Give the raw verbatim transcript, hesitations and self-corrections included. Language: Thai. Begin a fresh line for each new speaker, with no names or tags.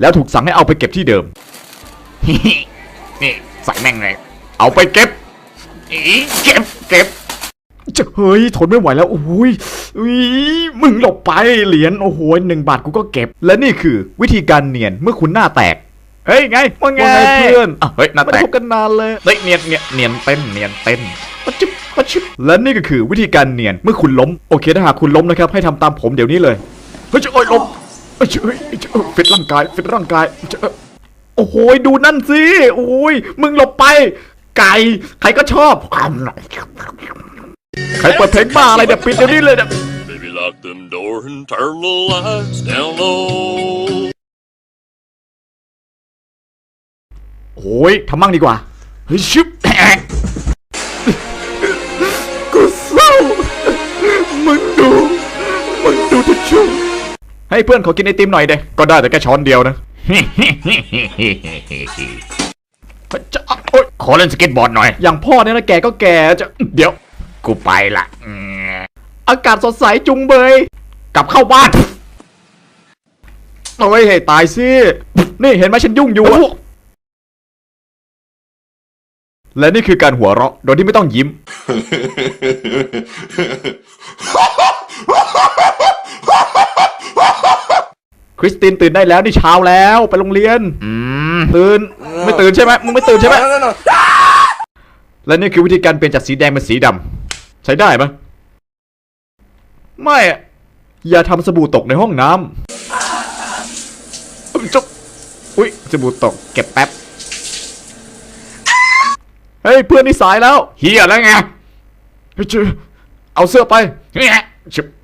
แล้วถูกสั่งให้เอาไปเก็บที่เดิม
นี่ใส่แม่งเลยเอาไปเก็บอีเก็บเก็บ
จะเฮ้ยทนไม่ไหวแล้วโอ้ยอุ๊ยมึงหลบไปเหรียญโอ้โหหนึ่งบาทกูก็เก็บ และนี่คือวิธีการเนียนเมื่อคุณหน้าแตก เฮ้ยไงว่าไงเพื่อน
อ่ะเฮ้ยหน้า
ไม่
แต
ได้
ก
พบกันนานเลย
เฮ้ยเนียนเนียนเนียนเต้นเนียนเต้น
ปะชิบปะชิบและนี่ก็คือวิธีการเนียนเมื่อคุณล้มโอเคถ้าหากคุณล้มนะครับให้ทำตามผมเดี๋ยวนี้เลยเฮ้ยจะโอ้ยล้มเฮ้ยเฮ้ยเฮ้ยฟิตร่างกายฟิตร่างกายจะโอ้โหดูนั่นสิโอ้ยมึงหลบไป ไก่ใครก็ชอบใครเปิดเพลงบ้าอะไรเนี่ยปิดเดี๋ยวนี้เลยเนี่ย
Baby, lock them doors and turn the lights down low.
โอ้ยทำมั่งดีกว่าเฮ้ยชิบกูเศร้ามึงดูมึงดูทิชชู่ให้เพื่อนขอกินไอติมหน่อยเด้ก็ได้แต่แค่ช้อนเดียวนะจะโอ๊ย
ขอเล่นสเก็ตบอร์ดหน่อย
อย่างพ่อเนี่ยนะแกก็แกจะเดี๋ยว
กูไปละอืม
อากาศสดใสจุงเบย
กลับเข้าบ้าน
โอ้ยให้ตายสินี่เห็นไหมฉันยุ่งอยู่อะและนี่คือการหัวเราะโดยที่ไม่ต้องยิ้ม คริสตินตื่นได้แล้วนี่เช้าแล้วไปโรงเรียน
อืม
ตื่นไม่ตื่นใช่ไหมมึงไม่ตื่นใช่ไหมและนี่คือวิธีการเปลี่ยนจากสีแดงเป็นสีดำใช้ได้ไหมไม่อะอย่าทำสบู่ตกในห้องน้ำจบอุ๊ยสบู่ตกเก็บแป๊บเฮ้ยเพื่อนนี่สายแล้ว
เฮียแล้วไง
เฮ้ยเจอเอาเสื้อไป
เนี่ย
ชิบ